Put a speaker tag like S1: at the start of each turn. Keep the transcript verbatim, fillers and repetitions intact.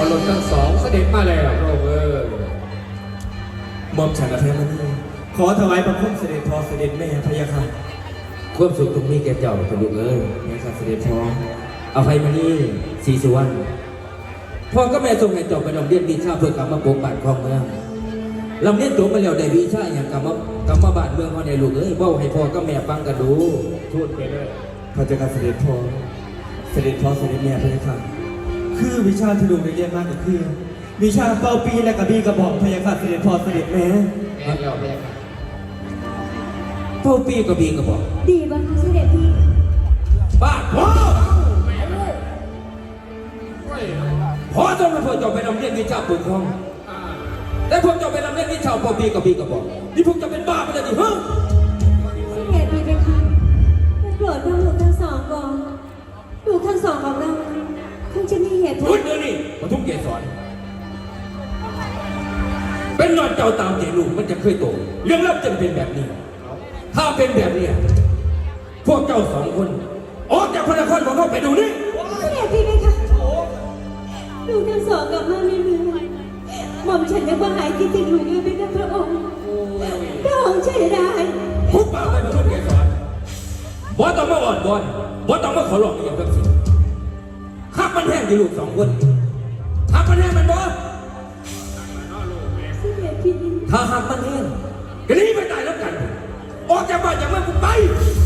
S1: รถทั้งสองเสด็จมาแล้วพระองค์เอ้ย
S2: หม่อมฉันอภัยมณีขอถวายบังคมเสด็จพ่อเสด็จแม่พระยาค่ะควบสุขตรงนี้แกเจ้าพระลูกเอ้ยแม่ข้าเสด็จพ่ออภัยมณีศรีสุวรรณพ่อก็แม่ทรงให้เจ้าไปลำเลียนวิชาเพื่อกลับมาปกปักครองเมืองลำเลียนตัวมาแล้วได้วิชาอย่างกลับมากลับมาบ้านเมืองเขาในลูกเอ้ยเบ้าให้พ่อก็แม่ฟังกันดู
S1: พูดไปเลย
S2: พระเจ้าค่ะเสด็จพ่อเสด็จพ่อเสด็จแม่พระยาค่ะคือวิชาที่ลูกได้เรียนมาก็คือวิชาเป่าปีและกระบี่กระบอกพระยาค่ะเสด็จพ่อเสด็จแม่
S1: แม่เราแม่ค่ะ
S2: เป่าปีกระบี่กระบอก
S3: ดีบ้างคะเสด็จพี่
S2: บ้าพ่อ
S1: แม่เราเฮ้ย
S2: พ่อจงให้พ่อเจ้าไปลำเลียนวิชาปกครอง
S1: อ่า
S2: แต่พวกเจ้าไปลำเลียนวิชาเป่าปีกระบี่กระบอกนี่พวกเจ้าเป็นบ้าไปแล้วดิเฮ้ย
S3: เสด็จพี่เป็นคะโปรดทั้งลูกทั้งสองก่อนลูกทั้งสองของเราคงจะมีเหตุผ
S2: พู
S3: ล
S2: ดเดี๋ยวนี้ปทุมเกศรเป็นนอนเจ้าตามใจลูกมันจะเคยโตเรื่องเล่าจะเป็นแบบนี้ ถ้าเป็นแบบนี้พวกเจ้าสองคนออกจากพระนครของเขาไปดูนี่
S3: เสด็จพี่เป็นคะลูกทั้งสองกลับมาไม่เมืองหม่อมฉันยังว่าหายคิดถึงลูกอยู่เป็นพระองค์พระองค์ช่วยได้
S2: พุกปากไปปทุมเกศรบ่ต้องมาอ่อนบอนบ่ต้องมาขอร้องอย่างแบบสิข้ามันแห้งดีลูกสองคนข้ามันแห้งมันบ่
S3: เสด็จพี่
S2: ถ้าหากมันแห้งก็หนีไปตายแล้วกัน ออกจากบ้านจากเมืองกูไป
S3: เ